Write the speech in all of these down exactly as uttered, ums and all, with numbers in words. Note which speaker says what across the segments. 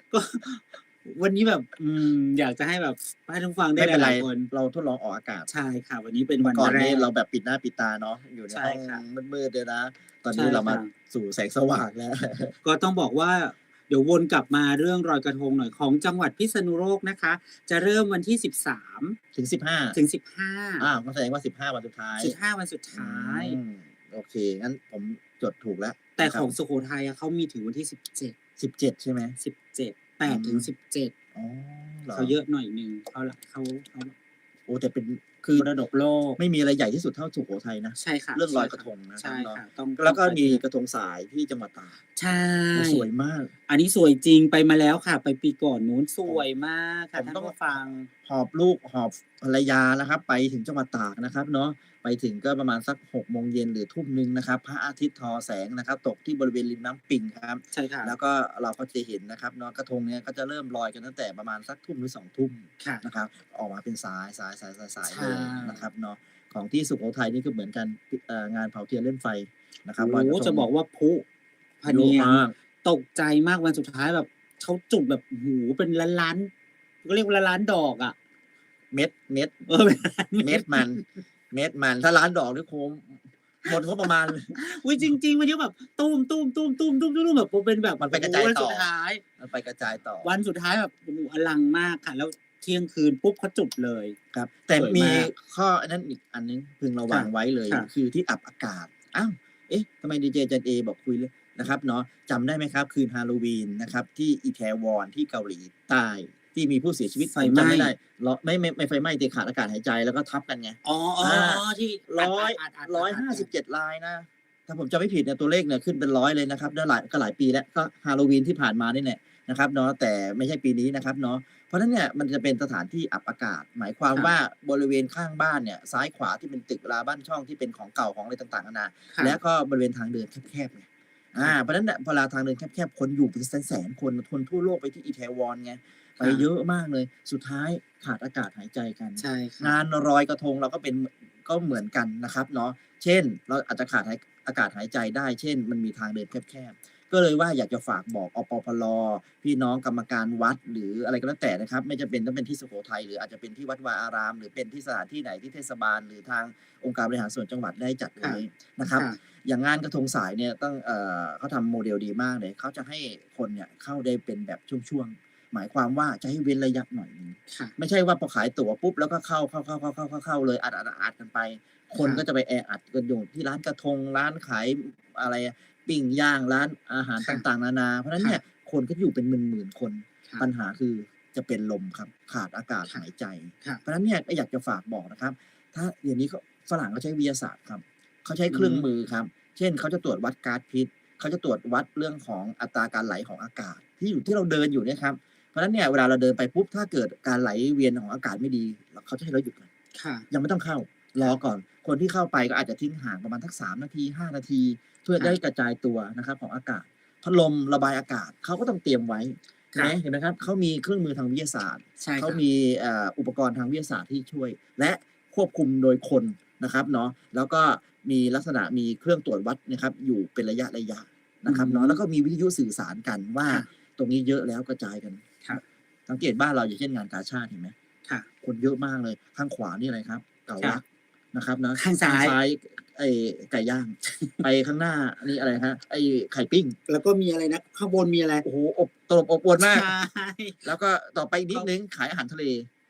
Speaker 1: ก็ วันนี้แบบ อืม อยากจะให้แบบให้ท่านผู้ฟังได้
Speaker 2: ไม่เป็น
Speaker 1: ห
Speaker 2: ไร
Speaker 1: ลาย ๆ คน
Speaker 2: เราทดลองออกอากาศ
Speaker 1: ใช่ค่ะ วันนี้เป็น
Speaker 2: เม
Speaker 1: ว
Speaker 2: ื่
Speaker 1: ั
Speaker 2: อก่อน
Speaker 1: นแร
Speaker 2: นี้เรา
Speaker 1: ก
Speaker 2: แบบปิดหน้าปิดตาเนาะ อยู่ใน
Speaker 1: ใช่
Speaker 2: ห้อง
Speaker 1: ค่ะ
Speaker 2: มืด ๆ เนี่ยนะ ตอน
Speaker 1: ใช
Speaker 2: นี้
Speaker 1: ่
Speaker 2: เรา
Speaker 1: ค
Speaker 2: มา
Speaker 1: ่ะ
Speaker 2: สู่แสงสว่างแล้ว
Speaker 1: ก็ต้องบอกว่า เดี๋ยววนกลับมาเรื่องลอยกระทงหน่อย ของจังหวัดพิษณุโลกนะคะ จะเริ่มวันที่ สิบสาม
Speaker 2: ถึง สิบห้า
Speaker 1: ถึง สิบห้า
Speaker 2: อา ก็แสดงว่า สิบห้า วันสุดท้าย
Speaker 1: สิบห้า วันสุด
Speaker 2: อ
Speaker 1: ทื้าย
Speaker 2: ม โอเค งั้นผมจดถูกแล้ว
Speaker 1: แต่
Speaker 2: นะคร
Speaker 1: ขั
Speaker 2: บ
Speaker 1: องสุโขทัยอะ เขามีถึงวันที่ สิบเจ็ด
Speaker 2: สิบเจ็ด ใช่ไหม?
Speaker 1: สิบเจ็ด แป
Speaker 2: อื
Speaker 1: ด ถึง
Speaker 2: ม
Speaker 1: สิบเจ็ด
Speaker 2: อ๋อ เหร
Speaker 1: เ
Speaker 2: อ?
Speaker 1: ขาเยอะหน่อยหนึ่ง เขาละ เขา เขา
Speaker 2: โอ้ แต่เป็น คือ
Speaker 1: มรดกโลก
Speaker 2: ไม่มีอะไรใหญ่ที่สุดเท่าสุโขทัยนะ
Speaker 1: ใช่ค่ะ
Speaker 2: เรื่อง
Speaker 1: ใ
Speaker 2: ล
Speaker 1: ช่ค
Speaker 2: อยกระ
Speaker 1: ่ะ
Speaker 2: ทงนะ
Speaker 1: ใ
Speaker 2: ค
Speaker 1: ช
Speaker 2: รับ่เนาะ
Speaker 1: ค่ะ ต้อง
Speaker 2: แล้วก็มี
Speaker 1: ต้องไป
Speaker 2: กระทงสายที่จังหวัดตาก
Speaker 1: ใช่
Speaker 2: โอ้ สวยมาก
Speaker 1: อันนี้สวยจริง ไปมาแล้วค่ะ ไปปีก่อนนู้น ส
Speaker 2: ผม
Speaker 1: วยมากค่ะท่า
Speaker 2: ผมต
Speaker 1: น้
Speaker 2: อง
Speaker 1: ผู้ฟัง
Speaker 2: หอบลูก หอบภรรยานะครับ ไปถึงจังหวัดตากนะครับเนาะ ไปถึงก็ประมาณสัก หก โมงเย็น หรือ ทุ่มหนึ่ง นะครับ พระอาทิตย์ทอแสงนะครับ ตกที่บริเวณริมน้ำปิงครับ
Speaker 1: ใช่ค่
Speaker 2: แล้
Speaker 1: ะ
Speaker 2: วก็เราก็จะเห็นนะครับเนาะ กระทงเนี่ยก็จะเริ่มลอยกันตั้งแต่ประมาณสัก ทุ่ม หรือ สอง ทุ่ม
Speaker 1: ค่ะ
Speaker 2: นะครับ ออกมาเป็นสาย ๆ ๆ
Speaker 1: ใช
Speaker 2: ๆ ๆ เลยนะครับ
Speaker 1: ่
Speaker 2: เนาะ ของที่สุโขทัยนี่ก็เหมือนกัน ปิ เอ่อ งานเผาเทียนเล่นไฟนะค
Speaker 1: โ
Speaker 2: ร
Speaker 1: อั
Speaker 2: บ
Speaker 1: ้
Speaker 2: ลอย
Speaker 1: โ
Speaker 2: ก
Speaker 1: ฮ
Speaker 2: ระทง
Speaker 1: จะบอกว่าพลุพะ
Speaker 2: เย
Speaker 1: เ
Speaker 2: อ
Speaker 1: น
Speaker 2: ะ
Speaker 1: ียง
Speaker 2: มาก
Speaker 1: ตกใจมากวันสุดท้ายแบบ เขาจุดแบบ โอ้โฮ เป็นล้าน ๆ เขาเรียกว่าล้าน ๆ ดอกอะ
Speaker 2: เม็ด เม็ด
Speaker 1: เออ เป็นล้าน
Speaker 2: เม
Speaker 1: เม็็ด
Speaker 2: ดมัน เม็ดมัน ถ้าล้านดอกนี่คง หมดงบประมาณ เลย
Speaker 1: อุ๊ย จริง ๆ วันนี้แบบตูม ๆ ๆ ๆ ๆ แบบเป็นแบบ
Speaker 2: มัน
Speaker 1: โ
Speaker 2: ไป
Speaker 1: อ้โ
Speaker 2: ก
Speaker 1: ฮ
Speaker 2: ระจายต
Speaker 1: วันสุ่ด
Speaker 2: อ
Speaker 1: ท้าย
Speaker 2: มันไปกระจายต่อ
Speaker 1: วันสุดท้ายแบบ โอ้โฮ อลังมากค่ะ แล้วเที่ยงคืนปุ๊บ เขาจุดเลย
Speaker 2: ครับ แต่
Speaker 1: สวย
Speaker 2: มี
Speaker 1: มาก
Speaker 2: ข้อไอ้นั่นอีกอันหนึ่งพึงระ
Speaker 1: ค
Speaker 2: วั
Speaker 1: ่ะ
Speaker 2: งไว้เลย
Speaker 1: ค่ะ
Speaker 2: คือที่อับอากาศ อ้าว เอ๊ะ ทำไมดีเจจันเอบอกคุยเรื่อง นะครับเนาะ จำได้ไหมครับ คืนฮาโลวีนนะครับ ที่ Itaewon ที่เกาหลีใต้ ที่มีผู้เสียชีวิต
Speaker 1: ไฟ
Speaker 2: ผม
Speaker 1: ไหม
Speaker 2: จำไม่ได้ ร ไม่ ไม่ ไม่ไฟไหม้สิ ขาดอากาศหายใจ แล้วก็ทับกันไง
Speaker 1: อ๋อ
Speaker 2: อา
Speaker 1: ๆ ๆ ที่อ
Speaker 2: ร้อย
Speaker 1: ัด
Speaker 2: ร้อย
Speaker 1: ๆ ๆ ๆ ๆ
Speaker 2: ห้าสิบเ
Speaker 1: ๆ
Speaker 2: จ็ด รายนะ ถ้าผมจำไม่ผิดเนี่ย ตัวเลขเนี่ยขึ้นเป็น ร้อย เลยนะครับ แล้วหลาย ก็หลายปีแล้ว ก็ฮาโลวีนที่ผ่านมานี่แหละนะครับเนาะ แต่ไม่ใช่ปีนี้นะครับเนาะ เพราะฉะนั้นเนี่ย มันจะเป็นสถานที่อับอากาศ หมายความ
Speaker 1: ค่ะ
Speaker 2: ว่าบริเวณข้างบ้านเนี่ย ซ้ายขวาที่เป็นตึกราบ้านช่องที่เป็นของเก่าของอะไรต่าง ๆ นานา
Speaker 1: ค่
Speaker 2: แ
Speaker 1: ะ
Speaker 2: ล้วก็บริเวณทางเดินแคบ ๆ ไง อ
Speaker 1: ค่
Speaker 2: า
Speaker 1: ะ
Speaker 2: เพราะฉะนั้นน่ะ เวลาทางเดินแคบ ๆ คนอยู่เป็นแสน ๆ คน คนทั่วโลกไปที่ Itaewon ไง ไป
Speaker 1: ค่ะ
Speaker 2: เยอะมากเลย สุดท้ายขาดอากาศหายใจกัน
Speaker 1: ใช่ค่
Speaker 2: ง
Speaker 1: ะ
Speaker 2: านลอยกระทงเราก็เป็น ม ก็เหมือนกันนะครับเนาะ เช่น เราอาจจะขาดหาย อากาศหายใจได้ เช่น มันมีทางเดินแคบ ๆ ก็เลยว่าอยากจะฝากบอก อปพล. พี่น้องกรรมการวัด หรืออะไรก็แล้วแต่นะครับ ไม่จำเป็นต้องเป็นที่สุโขทัย หรืออาจจะเป็นที่วัดวาอาราม หรือเป็นที่สถานที่ไหนที่เทศบาล หรือทางองค์การบริหารส่วนจังหวัดได้จัด
Speaker 1: ค่
Speaker 2: ไว้
Speaker 1: ะ
Speaker 2: นะครับ
Speaker 1: ค่ะ
Speaker 2: อย่างงานกระทงสายเนี่ยต้อง เอ่อ เขาทำโมเดลดีมากเลย เขาจะให้คนเนี่ยเข้าได้เป็นแบบช่วง ๆ หมายความว่าจะให้เว้นระยะหน่อยหนึ่ง
Speaker 1: ค่ะ
Speaker 2: ไม่ใช่ว่าพอขายตั๋วปุ๊บ แล้วก็เข้า เข้า ๆ ๆ ๆ ๆ เลย อัด ๆ ๆ ๆ กันไป คน
Speaker 1: ค่ะ
Speaker 2: ก็จะไปแออัดกันอยู่ที่ร้านกระทง ร้านขาย อะไรอะ ปิ้งย่าง ร้านอาหาร
Speaker 1: ค
Speaker 2: ต่
Speaker 1: ะ
Speaker 2: าง ๆ นานา เพราะฉะนั้น
Speaker 1: ค
Speaker 2: เ
Speaker 1: ่
Speaker 2: นี่
Speaker 1: ะ
Speaker 2: ย คนก็อยู่เป็นหมื่น ๆ คน
Speaker 1: ค่ะ
Speaker 2: ปัญหาคือจะเป็นลมครับ ขาดอากาศ
Speaker 1: ค่
Speaker 2: ห
Speaker 1: ะ
Speaker 2: ายใจ
Speaker 1: ค่ะ
Speaker 2: เพราะฉะนั้นเนี่ยก็อยากจะฝากบอกนะครับ ถ้าเดี๋ยวนี้เขา ฝรั่งเขาใช้วิทยาศาสตร์ครับ เขาใช้
Speaker 1: อื
Speaker 2: เครื่อง
Speaker 1: ม
Speaker 2: มือครับ เช่น เขาจะตรวจวัดก๊าซพิษ เขาจะตรวจวัดเรื่องของอัตราการไหลของอากาศ ที่อยู่ ที่เราเดินอยู่เนี่ยครับ เพราะฉะนั้นเนี่ย เวลาเราเดินไปปุ๊บ ถ้าเกิดการไหลเวียนของอากาศไม่ดี ล เขาจะให้เราหยุดก่อน
Speaker 1: ค่ะ
Speaker 2: ยังไม่ต้องเข้า รอก่อน คนที่เข้าไปก็อาจจะทิ้งห่างประมาณสัก สาม นาที ห้า นาที เพื่อ
Speaker 1: ค
Speaker 2: จะ
Speaker 1: ่
Speaker 2: ได้
Speaker 1: ะ
Speaker 2: กระจายตัวนะครับของอากาศ พัดลมระบายอากาศเขาก็ต้องเตรียมไว้ เห็
Speaker 1: ค
Speaker 2: นไ
Speaker 1: ่
Speaker 2: หม
Speaker 1: ะ
Speaker 2: เห็นไหมครับ เขามีเครื่องมือทางวิทยาศาสตร์
Speaker 1: ใช่
Speaker 2: เขา
Speaker 1: ค่ะ
Speaker 2: มี เอ่อ อุปกรณ์ทางวิทยาศาสตร์ที่ช่วย และควบคุมโดยคนนะครับเนาะ แล้วก็มีลักษณะมีเครื่องตรวจวัดนะครับอยู่เป็นระยะ ๆ
Speaker 1: อ
Speaker 2: นืะครับเนาะ แล้ว
Speaker 1: ม
Speaker 2: ก็มีวิทยุสื่อสารกันว่า
Speaker 1: ค่ะ
Speaker 2: ตรงนี้เยอะแล้วกระจายกัน
Speaker 1: ค่ะ
Speaker 2: สังเกตบ้านเรา อย่างเช่น งานกาชาด เห็นไหม
Speaker 1: ค่ะ
Speaker 2: คนเยอะมากเลย ข้างขวานี่อะไรครับ เก๋า
Speaker 1: ค่
Speaker 2: ล
Speaker 1: ะ
Speaker 2: ักนะครับเนาะ
Speaker 1: ข้างซ
Speaker 2: ข้า
Speaker 1: ้
Speaker 2: ง
Speaker 1: าย
Speaker 2: ซ้าย ไอ้ไก่ย่าง ไปข้างหน้านี่อะไรครับ ไอ้ไข่ปิ้ง
Speaker 1: แล้วก็มีอะไรนะ ข้างบนมีอะไร?
Speaker 2: โอ้โฮ อบ ตลบอบอวล
Speaker 1: ใ
Speaker 2: ม
Speaker 1: ช
Speaker 2: าก
Speaker 1: ่
Speaker 2: แล้วก็ต่อไปอีก
Speaker 1: เ
Speaker 2: น
Speaker 1: ขิา
Speaker 2: ดหนึ่งขายอาหารทะเล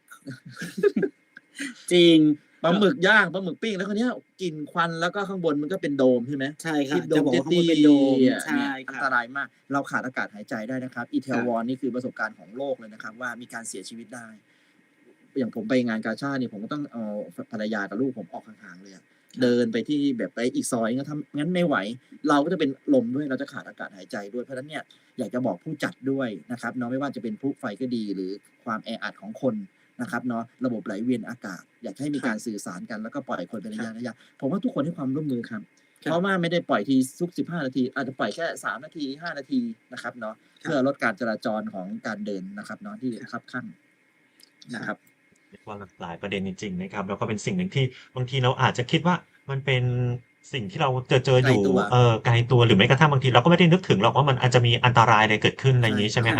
Speaker 1: จริง
Speaker 2: ปลา
Speaker 1: ก็
Speaker 2: หมึกย่าง ปลาหมึกปิ้ง แล้วคราวเนี้ยกลิ่นควัน แล้วก็ข้างบนมันก็เป็นโดมใช่ไหม
Speaker 1: ใช่
Speaker 2: ท
Speaker 1: คี่
Speaker 2: ่
Speaker 1: ะ
Speaker 2: โดมเจ
Speaker 1: จะบอกว่าข้
Speaker 2: ต
Speaker 1: างบีนเป็นโดม
Speaker 2: อะ
Speaker 1: ใช
Speaker 2: เ
Speaker 1: ่
Speaker 2: นี่ยอั
Speaker 1: ค
Speaker 2: น่ต
Speaker 1: ะ
Speaker 2: รายมาก เราขาดอากาศหายใจได้นะครับ
Speaker 1: ค่ะ
Speaker 2: Itaewon นี่คือประสบการณ์ของโลกเลยนะครับว่า มีการเสียชีวิตได้ อย่างผมไปงานกาชาดเนี่ย ผมก็ต้องเอา ภ ภรรยากับลูกผมออกห่าง ๆ เลยอะ
Speaker 1: ค่
Speaker 2: เด
Speaker 1: ะ
Speaker 2: ินไปที่แบบไปอีกซอย ก็ถ้างั้นไม่ไหว เราก็จะเป็นลมด้วย เราจะขาดอากาศหายใจด้วย เพราะฉะนั้นเนี่ย อยากจะบอกผู้จัดด้วยนะครับเนาะ ไม่ว่าจะเป็นพลุไฟก็ดี หรือความแออัดของคนนะครับเนาะ ระบบไหลเวียนอากาศ อยากให้มี
Speaker 1: ค่
Speaker 2: กา
Speaker 1: ะ
Speaker 2: รสื่อสารกัน แล้วก็ปล่อยคนเป็นระ
Speaker 1: ค่ะ
Speaker 2: ยะ ๆ ผมว่าทุกคนให้ความร่วมมือครับ
Speaker 1: ค
Speaker 2: เพ่รา
Speaker 1: ะ
Speaker 2: ะว่าไม่ได้ปล่อยทีทุก สิบห้า นาที อาจจะปล่อยแค่ สาม นาที ห้า นาทีนะครับเนาะ เ
Speaker 1: ค
Speaker 2: พื่่อ
Speaker 1: ะ
Speaker 2: ลดการจราจรของการเดินนะครับเนาะ ที่
Speaker 1: ค่ะ
Speaker 2: คับคั่งน
Speaker 1: ค
Speaker 2: ะ
Speaker 1: ่
Speaker 2: ครั
Speaker 1: ะ
Speaker 2: บ
Speaker 3: เรียกว่าหลากหลายประเด็นจริง ๆ นะครับ แล้วก็เป็นสิ่งหนึ่งที่บางทีเราอาจจะคิดว่า มันเป็นสิ่งที่เราเจอ
Speaker 2: ไ
Speaker 3: ๆ
Speaker 2: ก
Speaker 3: อยู่
Speaker 2: ลตัว
Speaker 3: เออ ไกลตัว หรือแม้กระทั่งบางทีเราก็ไม่ได้นึกถึงหรอกว่า มันอาจจะมีอันตรายอะไรเกิดขึ้น อะไร
Speaker 2: ใช
Speaker 3: อย่่างงี้ ใช่ไหม
Speaker 1: ค่ะ
Speaker 3: ครับ? อืม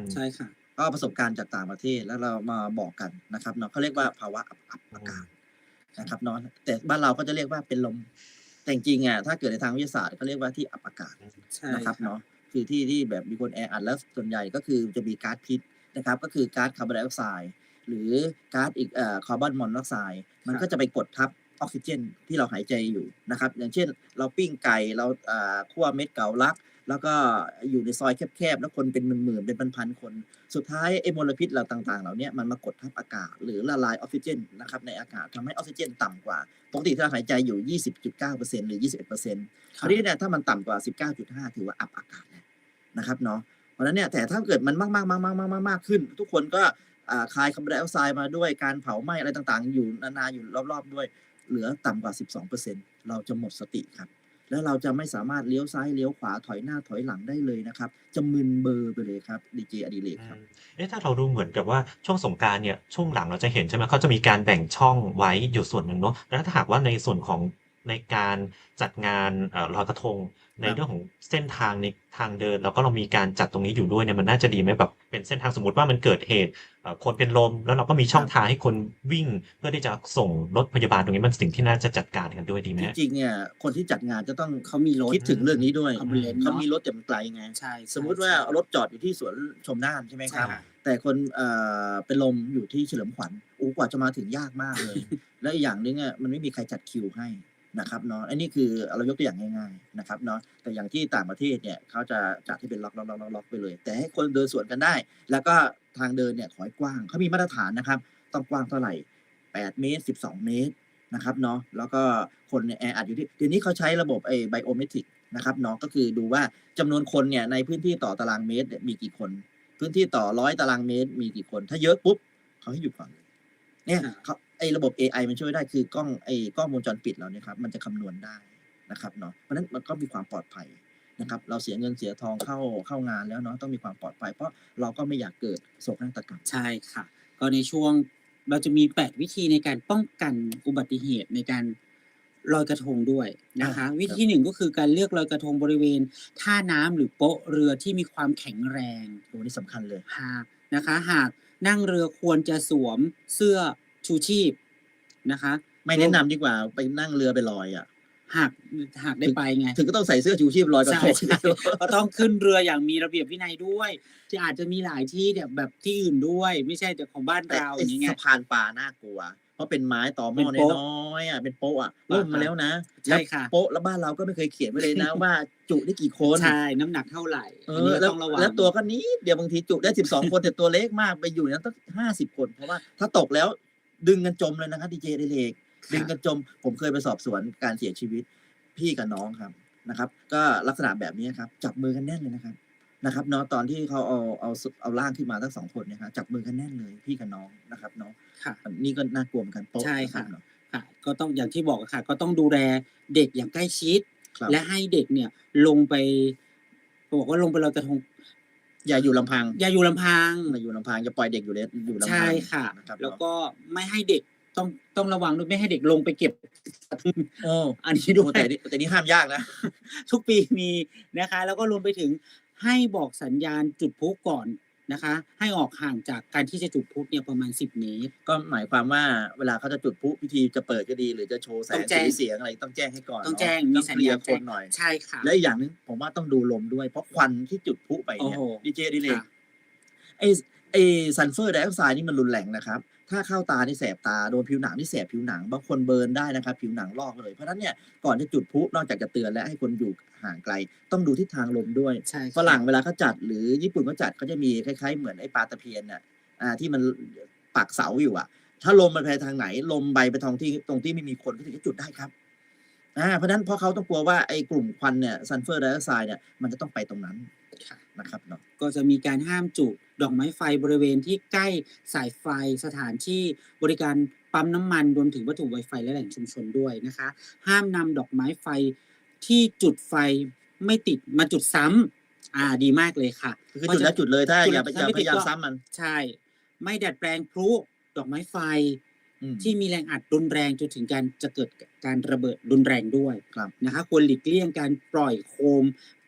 Speaker 1: ใช่ค่ะ
Speaker 2: ก็ประสบการณ์จากต่างประเทศแล้วเรามาบอกกันนะครับเนาะเขาเรียกว่าภาวะอับอับ
Speaker 3: อื
Speaker 2: อากาศ
Speaker 3: ม
Speaker 2: นะครับเนาะแต่บ้านเราก็จะเรียกว่าเป็นลม แต่จริงๆอะถ้าเกิดในทางวิทยาศาสตร์เขาเรียกว่าที่อับอากาศ
Speaker 3: อืม
Speaker 1: ใช่
Speaker 2: นะครับ
Speaker 1: ครับ
Speaker 2: เนาะคือที่ที่แบบมีคนแออัดแล้วส่วนใหญ่ก็คือจะมีก๊าซพิษนะครับก็คือก๊าซคาร์บอนไดออกไซด์หรือก๊าซอีกเอ่อคาร์บอนมอนอกไซด์มัน
Speaker 1: ครั
Speaker 2: ก็
Speaker 1: บ
Speaker 2: จะไปกดทับออกซิเจนที่เราหายใจอยู่นะครับอย่างเช่น เราปิ้งไก่เราอ่าคั่วเม็ดเก๋าลัก แล้วก็อยู่ในซอยแคบๆแล้วคนเป็นหมื่นๆเป็นพันๆคน สุดท้ายไอ้มลพิษเหล่าต่างๆเหล่าเนี้ยมันมากดทับอากาศ หรือละลายออกซิเจนนะครับในอากาศทำให้ออกซิเจนต่ำกว่าปกติที่เราหายใจอยู่ ยี่สิบจุดเก้าเปอร์เซ็นต์ หรือ ยี่สิบเอ็ดเปอร์เซ็นต์ ค
Speaker 1: ค
Speaker 2: รา
Speaker 1: รั
Speaker 2: ว
Speaker 1: บ
Speaker 2: นี้เนี่ยถ้ามันต่ำกว่า สิบเก้าจุดห้า ถือว่าอับอากาศแล้วนะครับเนาะเพราะฉะนั้นเนี่ยแต่ถ้าเกิดมันมากๆๆๆๆๆ ๆ ขึ้น ทุกคนก็อ่าคายคาร์บอนไดออกไซด์มาด้วยการเผาไหม้อะไรต่างๆ อยู่นานๆอยู่รอบๆด้วย เหลือต่ำกว่า สิบสองเปอร์เซ็นต์ เราจะหมดสติครับ แล้วเราจะไม่สามารถเลี้ยวซ้ายเลี้ยวขวาถอยหน้าถอยหลังได้เลยนะครับ จะมึนเบลอไปเลยครับดีเจอดิเรก
Speaker 3: อื
Speaker 2: ครับ
Speaker 3: ม เอ๊ะ ถ้าเราดูเหมือนกับว่าช่วงสงกรานต์เนี่ย ช่วงหลังเราจะเห็นใช่ไหม เขาจะมีการแบ่งช่องไว้อยู่ส่วนหนึ่งเนาะ แล้วถ้าหากว่าในส่วนของในการจัดงาน เอ่อ ลอยกระทง ใน
Speaker 2: ครับ
Speaker 3: เรื่องของเส้นทางในทางเดิน แล้วก็เรามีการจัดตรงนี้อยู่ด้วยเนี่ย มันน่าจะดีไหม? แบบเป็นเส้นทางสมมุติว่ามันเกิดเหตุ เอ่อ คนเป็นลม แล้วเราก็มีช่
Speaker 2: คร
Speaker 3: องั
Speaker 2: บ
Speaker 3: ทางให้คนวิ่ง เพื่อที่จะส่งรถพยาบาล ตรงนี้มันสิ่งที่น่าจะจัดการกันด้วยดีไหม
Speaker 2: จ
Speaker 3: ครับ?
Speaker 2: ริง ๆ เนี่ยคนที่จัดงานจะต้อง
Speaker 1: เขามีรถ
Speaker 2: คิดถึงเรื่องนี้ด้วย
Speaker 1: อืม
Speaker 2: เขา
Speaker 1: เนาะ
Speaker 2: มีรถแต่มันไกลไง
Speaker 1: ใช่
Speaker 2: สมมุติว่า
Speaker 1: ใช่
Speaker 2: รถจอดอยู่ที่สวนชมน่าน ใช่ไหม
Speaker 1: ใช
Speaker 2: ครับ
Speaker 1: ค่ะ
Speaker 2: แต่คน เอ่อ เป็นลมอยู่ที่เฉลิมขวัญ โอ้ กว่าจะมาถึงยากมากเลย และอีกอย่างหนึ่งอะมันไม่มีใครจัดคิวให้นะครับเนาะ อันนี้คือเรายกตัวอย่างง่าย ๆ นะครับเนาะ แต่อย่างที่ต่างประเทศเนี่ยเขาจะจัดให้เป็นล็อก ๆ ๆ ๆ ไปเลย แต่ให้คนเดินสวนกันได้ แล้วก็ทางเดินเนี่ยขอให้กว้าง เขามีมาตรฐานนะครับ ต้องกว้างเท่าไร แปด เมตร สิบสอง เมตรนะครับเนาะ แล้วก็คนเนี่ยแออัดอยู่ที่ เดี๋ยวนี้เขาใช้ระบบไอ้ Biometric นะครับเนาะ ก็คือดูว่าจำนวนคนเนี่ยในพื้นที่ต่อตารางเมตรเนี่ยมีกี่คน พื้นที่ต่อ ร้อย ตารางเมตรมีกี่คน ถ้าเยอะปุ๊บเขาให้หยุดก่อน เนี่ย
Speaker 1: ค่ะ
Speaker 2: เขา ไอ้ระบบเอไอมันช่วยได้ คือกล้อง ไอ้กล้องวงจรปิดเราเนี่ยครับมันจะคำนวณได้นะครับเนาะ เพราะฉะนั้นมันก็มีความปลอดภัยนะครับ เราเสียเงินเสียทองเข้า เข้างานแล้วเนาะ ต้องมีความปลอดภัย เพราะเราก็ไม่อยากเกิดโศกนาฏกรรม
Speaker 1: ใช่ค่ะ ก็ในช่วง เราจะมี แปด วิธีในการป้องกันอุบัติเหตุในการลอยกระทงด้วย
Speaker 2: อ
Speaker 1: นะ
Speaker 2: า
Speaker 1: คะ วิธ
Speaker 2: ครั
Speaker 1: ี
Speaker 2: บ
Speaker 1: หนึ่ง ก็คือการเลือกลอยกระทงบริเวณท่าน้ำหรือโป๊ะเรือที่มีความแข็งแรง
Speaker 2: โอ้ นี่สำคัญเลย
Speaker 1: หาก นะคะ หากนั่งเรือควรจะสวมเสื้อชูชีพนะคะ
Speaker 2: ไม่แนะนำดีกว่าไปนั่งเรือไปลอยอะ
Speaker 1: หาก หากได้
Speaker 2: ถึง
Speaker 1: ไปไง
Speaker 2: ถึงก็ต้องใส่เสื้อชูชีพลอยกระ
Speaker 1: ใช่
Speaker 2: ทง
Speaker 1: ใช่ ก็ต้องขึ้นเรืออย่างมีระเบียบวินัยด้วย ที่อาจจะมีหลายที่เนี่ยแบบที่อื่นด้วย ไม่ใช่แต่ของบ้าน
Speaker 2: แต่
Speaker 1: เรา
Speaker 2: ไอ้
Speaker 1: อย่างงี้ไง
Speaker 2: สะพานปลาน่ากลัว เพราะเป็นไม้ต่อหม
Speaker 1: เป็
Speaker 2: ้อ
Speaker 1: นโป๊ะ
Speaker 2: น้อย ๆ อะ เป็นโป๊ะอะ
Speaker 1: อะ
Speaker 2: ล่มมา
Speaker 1: ฮะ
Speaker 2: แล้วนะ
Speaker 1: ใช่
Speaker 2: แล้ว
Speaker 1: ค่ะ
Speaker 2: โป๊ะ แล้วบ้านเราก็ไม่เคยเขียนไว้เลยนะ ว่าจุได้กี่คน
Speaker 1: ใช่ น้ำหนักเท่าไร
Speaker 2: เอ
Speaker 1: อันนี้
Speaker 2: อ
Speaker 1: ก็
Speaker 2: แล้
Speaker 1: ต
Speaker 2: ว
Speaker 1: ้องระวัง
Speaker 2: แล้วตัวก็นิดเดียว บางทีจุได้ สิบสอง คน แต่ตัวเล็กมาก ไปอยู่ในนั้นตั้ง ห้าสิบ คน เพราะว่าถ้าตกแล้วดึงกันจมเลยนะครับดีเจอดิเรก
Speaker 1: ค่ะ
Speaker 2: ดึงกันจม ผมเคยไปสอบสวนการเสียชีวิตพี่กับน้องครับนะครับ ก็ลักษณะแบบนี้ครับ จับมือกันแน่นเลยนะครับ นะครับเนาะ ตอนที่เขาเอา เอา ส เอาร่างขึ้นมาทั้ง สอง คนเนี่ยครับ จับมือกันแน่นเลยพี่กับน้องนะครับเนาะ
Speaker 1: ค่ะ
Speaker 2: อันนี้ก็น่ากลัวเหมือนกัน โป๊ะ
Speaker 1: ใช่
Speaker 2: นะค
Speaker 1: ค
Speaker 2: รั่
Speaker 1: ะ
Speaker 2: บเนาะ
Speaker 1: ค่ะ ก็ต้องอย่างที่บอกอะค่ะ ก็ต้องดูแลเด็กอย่างใกล้ชิด
Speaker 2: ครับ
Speaker 1: และให้เด็กเนี่ยลงไป บอกว่าลงไปลอยกระทง
Speaker 2: อย่าอยู่ลำพัง
Speaker 1: อย่าอยู่ลำพัง
Speaker 2: อย่าอยู่ลำพัง อย่าปล่อยเด็กอยู่เล อยู่ลำ
Speaker 1: ใช่
Speaker 2: พัง
Speaker 1: ค่ะ
Speaker 2: นะครับ
Speaker 1: แล้ว
Speaker 2: เนาะ
Speaker 1: ก็ไม่ให้เด็ก ต้อง ต้องระวังด้วย ไม่ให้เด็กลงไปเก็บ
Speaker 2: โอ้
Speaker 1: อันนี้
Speaker 2: โอ้
Speaker 1: ด้วย
Speaker 2: แต่นี่ แต่นี่ห้ามยากนะ
Speaker 1: ทุกปีมีนะคะ แล้วก็รวมไปถึงให้บอกสัญญาณจุดพลุก่อนนะคะ ให้ออกห่างจากการที่จะจุดพลุเนี่ยประมาณ สิบ เมตร
Speaker 2: ก็หมายความว่าเวลาเขาจะจุดพลุพิธีจะเปิดก็ดี หรือจะโชว์แส
Speaker 1: ต้อง
Speaker 2: ง
Speaker 1: แจ้
Speaker 2: สี
Speaker 1: ง
Speaker 2: เสียงอะไรต้องแจ้งให้ก่อน
Speaker 1: ต้อง
Speaker 2: เนาะ
Speaker 1: แจ้ง มี
Speaker 2: ต้อง
Speaker 1: สั
Speaker 2: เค
Speaker 1: ญ
Speaker 2: ลีย
Speaker 1: ญา
Speaker 2: ร์
Speaker 1: ณ
Speaker 2: ค
Speaker 1: แจ้
Speaker 2: น
Speaker 1: ง
Speaker 2: หน่อย
Speaker 1: ใช่ค่ะ
Speaker 2: และอีกอย่างหนึ่งผมว่าต้องดูลมด้วย เพราะควันที่จุดพลุไป
Speaker 1: โอ้
Speaker 2: เนี่ย
Speaker 1: โฮ
Speaker 2: ดีเจอดิเร
Speaker 1: ค่
Speaker 2: ก
Speaker 1: ะ
Speaker 2: ไอ้ ไอ้ซัลเฟอร์ไดออกไซด์นี่มันรุนแรงนะครับ ถ้าเข้าตานี่แสบตา โดนผิวหนังนี่แสบผิวหนัง บางคนเบิร์นได้นะครับ ผิวหนังลอกเลย เพราะฉะนั้นเนี่ยก่อนจะจุดพลุนอกจากจะเตือนแล้วให้คนอยู่ห่างไกล ต้องดูทิศทางลมด้วย
Speaker 1: ใช่
Speaker 2: ฝ
Speaker 1: ค่ะ
Speaker 2: รั่งเวลาเขาจัด หรือญี่ปุ่นเขาจัดเขาจะมีคล้าย ๆ เหมือนไอ้ปลาตะเพียนน่ะ อ่า ที่มัน ปักเสาอยู่อะ ถ้าลมมันไปทางไหน ลมไปไปทางที่ ตรงที่ไม่มีคนก็ถึงจะจุดได้ครับ อา เพราะฉะนั้นเพราะเขาต้องกลัวว่าไอ้กลุ่มควันเนี่ย ซัลเฟอร์ไดออกไซด์เนี่ยมันจะต้องไปตรงนั้น
Speaker 1: ค่ะ
Speaker 2: นะครับเนาะ
Speaker 1: ก็จะมีการห้ามจุดดอกไม้ไฟบริเวณที่ใกล้สายไฟ สถานที่บริการปั๊มน้ำมัน รวมถึงวัตถุไวไฟและแหล่งชุมชนด้วยนะคะ ห้ามนำดอกไม้ไฟที่จุดไฟไม่ติดมาจุดซ้ำ อา ดีมากเลยค่ะ
Speaker 2: คือจุดแล้วจุดเลย ถ้า
Speaker 1: จุด
Speaker 2: อย่าไป
Speaker 1: ถ้
Speaker 2: อย่า
Speaker 1: ไม่
Speaker 2: พ
Speaker 1: ติด
Speaker 2: ยายาม
Speaker 1: ก็
Speaker 2: ซ้ำมัน
Speaker 1: ใช่ ไม่ดัดแปลงพลุดอกไม้ไฟ
Speaker 2: อืม
Speaker 1: ที่มีแรงอัดรุนแรงจนถึงการ จะเกิด ก การระเบิดรุนแรงด้วย
Speaker 2: ครับ
Speaker 1: นะคะ ควรหลีกเลี่ยงการปล่อยโคม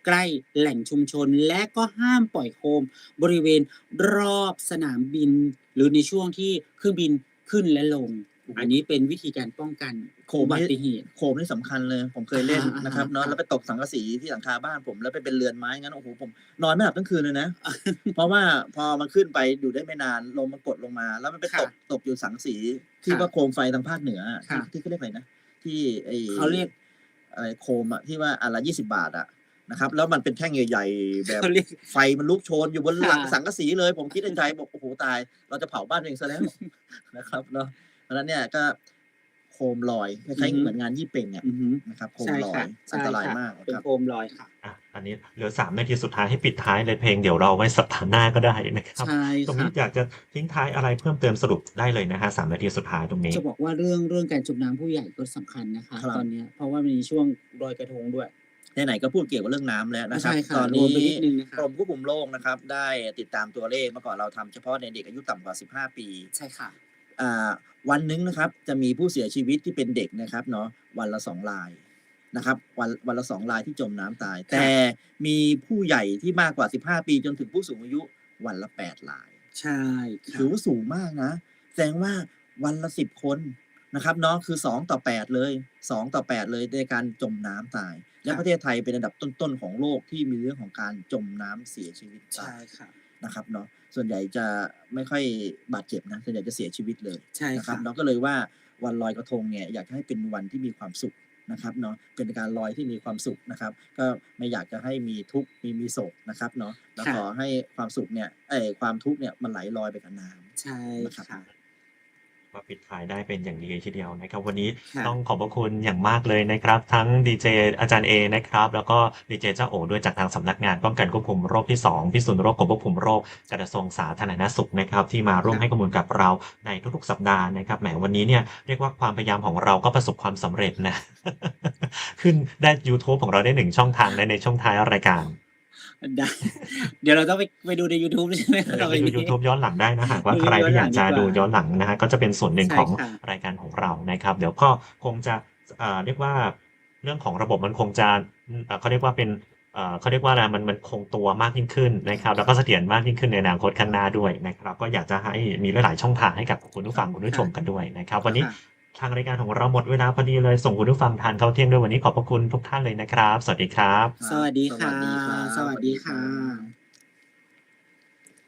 Speaker 1: ใกล้แหล่งชุมชน และก็ห้ามปล่อยโคมบริเวณรอบสนามบิน หรือในช่วงที่เครื่องบินขึ้นและลง อันนี้เป็นวิธีการป้องกัน
Speaker 2: โค
Speaker 1: อุ
Speaker 2: ม
Speaker 1: บั
Speaker 2: นี่
Speaker 1: ติเหตุ
Speaker 2: โคมนี่สำคัญเลย ผมเคยเล่น
Speaker 1: อะ
Speaker 2: นะ
Speaker 1: ฮะ
Speaker 2: ครับเนาะ
Speaker 1: ค
Speaker 2: แล้
Speaker 1: รั
Speaker 2: ว
Speaker 1: บ
Speaker 2: ไปตกสังกะสีที่หลังคาบ้านผม แล้วไปเป็นเรือนไม้งั้น โอ้โฮ ผมนอนไม่หลับทั้งคืนเลยนะ เพราะว่าพอมันขึ้นไปอยู่ได้ไม่นาน ลมมันกดลงมา แล้วมันไป
Speaker 1: ค่
Speaker 2: ต
Speaker 1: ะ
Speaker 2: ก ตกอยู่สังสี
Speaker 1: ค
Speaker 2: ที่
Speaker 1: ่ะ
Speaker 2: ว่าโคมไฟทางภาคเหนืออะ
Speaker 1: ค่
Speaker 2: ที่
Speaker 1: ะ
Speaker 2: ที่เขาเรียกอะไรนะ ที่ไอ้
Speaker 1: เขาเรียก
Speaker 2: อะไรโคมอะ ที่ว่าอันละ ยี่สิบ บาทอะนะครับ แล้วมันเป็นแท่งใหญ่ ๆ แบบ
Speaker 1: เขาเรียก
Speaker 2: ไฟมันลุกโชนอยู่บน
Speaker 1: ค่
Speaker 2: หลังสั
Speaker 1: ะ
Speaker 2: งกะสีเลย ผมคิดในใจบอก โอ้โฮ ตาย เราจะเผาบ้านตัวเองเสียแล้ว นะครับเนาะ เพราะฉะนั้นเนี่ยก็โคมลอย ค
Speaker 1: อื
Speaker 2: ล้า
Speaker 1: อย
Speaker 2: ๆ
Speaker 1: ฮึ
Speaker 2: เหมือนงานยี่เป่งอะ
Speaker 1: อือฮึ
Speaker 2: นะครับ โค
Speaker 1: ใช
Speaker 2: ม่ ลอ
Speaker 1: ค่ะ
Speaker 2: ย
Speaker 1: ใช
Speaker 2: อัน่ ตราย
Speaker 1: ค่ะ
Speaker 2: มาก
Speaker 1: เป็น
Speaker 2: ครับ
Speaker 1: โคมลอยค่ะ
Speaker 3: อะ อันนี้เหลือ สาม นาทีสุดท้ายให้ปิดท้ายเลย เพลงเดี๋ยวเราไว้สัปดาห์หน้าก็ได้นะครั
Speaker 1: ใ
Speaker 3: บ
Speaker 1: ช่
Speaker 3: ตรง
Speaker 1: ค
Speaker 3: นี้
Speaker 1: ่ะ
Speaker 3: อยากจะทิ้งท้ายอะไรเพิ่มเติม สรุปได้เลยนะครับ สาม นาทีสุดท้ายตรงนี้
Speaker 1: จะบอกว่าเรื่อง เรื่องการจมน้ำผู้ใหญ่ก็สำคัญนะคะ
Speaker 2: ครั
Speaker 1: ตอบ นเนี้ย เพราะว่ามันมีช่วงลอยกระทงด้วย
Speaker 2: ไหน ๆ ก็พูดเกี่ยวกับเรื่องน้ำแล้ว
Speaker 1: อา
Speaker 2: นะค
Speaker 1: ใช
Speaker 2: รับ
Speaker 1: ่ค่ะ
Speaker 2: ตอน
Speaker 1: ร
Speaker 2: น
Speaker 1: วมี ไป
Speaker 2: ้
Speaker 1: นิดหนึ่งนะค
Speaker 2: กร
Speaker 1: รับ
Speaker 2: มควบคุมโรคนะครับ ได้ติดตามตัวเลข เมื่อก่อนเราทำเฉพาะในเด็กอายุต่ำกว่า สิบห้า ปี
Speaker 1: ใช่ค่ะ
Speaker 2: อ่า วันหนึ่งนะครับจะมีผู้เสียชีวิตที่เป็นเด็กนะครับเนาะ วันละ สอง รายนะครับ วัน วันละ สอง รายที่จมน้ำตาย
Speaker 1: ค
Speaker 2: แต่
Speaker 1: ่ะ
Speaker 2: มีผู้ใหญ่ที่มากกว่า สิบห้า ปีจนถึงผู้สูงอายุวันละ แปด ราย
Speaker 1: ใช่ค
Speaker 2: ถ่
Speaker 1: ื
Speaker 2: อ
Speaker 1: ะ
Speaker 2: ว่าสูงมากนะ แสดงว่าวันละ สิบ คนนะครับเนาะ คือ สอง ต่อ แปด เลย สอง ต่อ แปด เลยในการจมน้ำตาย และ
Speaker 1: ค่ะ
Speaker 2: ประเทศไทยเป็นอันดับต้น ๆ ของโลกที่มีเรื่องของการจมน้ำเสียชีวิต
Speaker 1: ใช่
Speaker 2: ตาย
Speaker 1: ค่ะ
Speaker 2: นะครับเนาะ ส่วนใหญ่จะไม่ค่อยบาดเจ็บนะ ส่วนใหญ่จะเสียชีวิตเลย
Speaker 1: ใช่
Speaker 2: นะค
Speaker 1: ครับ ่ะ
Speaker 2: เนาะ ก็เลยว่าวันลอยกระทงเนี่ยอยากจะให้เป็นวันที่มีความสุขนะครับเนาะ เป็นการลอยที่มีความสุขนะครับ ก็ไม่อยากจะให้มีทุกข์ มี มีโศกนะครับเนาะ แล้ว
Speaker 1: ค่ะ
Speaker 2: ขอให้ความสุขเนี่ย เอ๊ย ความทุกข์เนี่ยมันไหลลอยไปกับน้
Speaker 1: ใช่
Speaker 2: ำนะครับ
Speaker 1: ค่ะ
Speaker 3: ก็ปิดท้ายได้เป็นอย่างดีทีเดียวนะครับ วันนี้
Speaker 1: ค่ะ
Speaker 3: ต้องขอบพระคุณอย่างมากเลยนะครับ ทั้งดีเจอาจารย์เอนะครับ แล้วก็ดีเจเจ้าโอ๋ด้วย จากทางสำนักงานป้องกันควบคุมโรคที่ สอง พิษณุโลกกรมควบคุมโรค กระทรวงสาธารณสุขนะครับ ที่มาร่วม
Speaker 1: ค่ะ
Speaker 3: ให้ข้อมูลกับเราในทุก ๆ สัปดาห์นะครับ แหม วันนี้เนี่ยเรียกว่าความพยายามของเราก็ประสบความสำเร็จนะ ขึ้นได้ยูทูบของเราได้ หนึ่ง ช่องทางและในช่วงท้ายรายการ
Speaker 1: ได้ เดี๋ยวเราต้องไป ไปดูในยูทูบ ใช่ไหม
Speaker 3: เออ
Speaker 1: ต่อ
Speaker 3: ไป
Speaker 1: ไป
Speaker 3: ดู
Speaker 1: นี้
Speaker 3: ยูทูบย้อนหลังได้นะ หากว่า
Speaker 1: ดู
Speaker 3: ใคร
Speaker 1: ย้อ
Speaker 3: ที่
Speaker 1: น
Speaker 3: อ
Speaker 1: หลั
Speaker 3: ยาก
Speaker 1: ง
Speaker 3: จ
Speaker 1: ดี
Speaker 3: ะ
Speaker 1: กว่า
Speaker 3: ดูย้อนหลังนะครับ ก็จะเป็นส่วนหนึ่ง
Speaker 1: ใช่
Speaker 3: ของ
Speaker 1: ค่ะ
Speaker 3: รายการของเรานะครับ เดี๋ยวก็คงจะ อ่า เรียกว่าเรื่องของระบบมันคงจะ อืม อ่า เขาเรียกว่าเป็น เอ่อ เขาเรียกว่าอะไร มัน มันคงตัวมากยิ่งขึ้นนะครับ แล้วก็เสถียรมากยิ่งขึ้นในอนาคตข้างหน้าด้วยนะครับ ก็อยากจะให้มีหลาย ๆ ช่องทางให้กับคุณผู้ฟัง คุณผู้ช
Speaker 1: ค่ะ
Speaker 3: มกันด้วยนะครับ วันนี้
Speaker 1: ค่ะ
Speaker 3: ทางรายการของเราหมดเวลาพอดีเลย ส่งคุณผู้ฟังทานข้าวเที่ยงด้วย วันนี้ขอบพระคุณทุกท่านเลยนะครับ สวัสดีครับ
Speaker 2: ค
Speaker 1: ส
Speaker 2: รับ
Speaker 1: วัสดี
Speaker 2: ส
Speaker 1: ค่
Speaker 2: วั
Speaker 1: ะ
Speaker 2: สดีครับ
Speaker 1: สวัสดี
Speaker 2: สวัสดีค
Speaker 1: ค่
Speaker 2: รับ
Speaker 1: ะ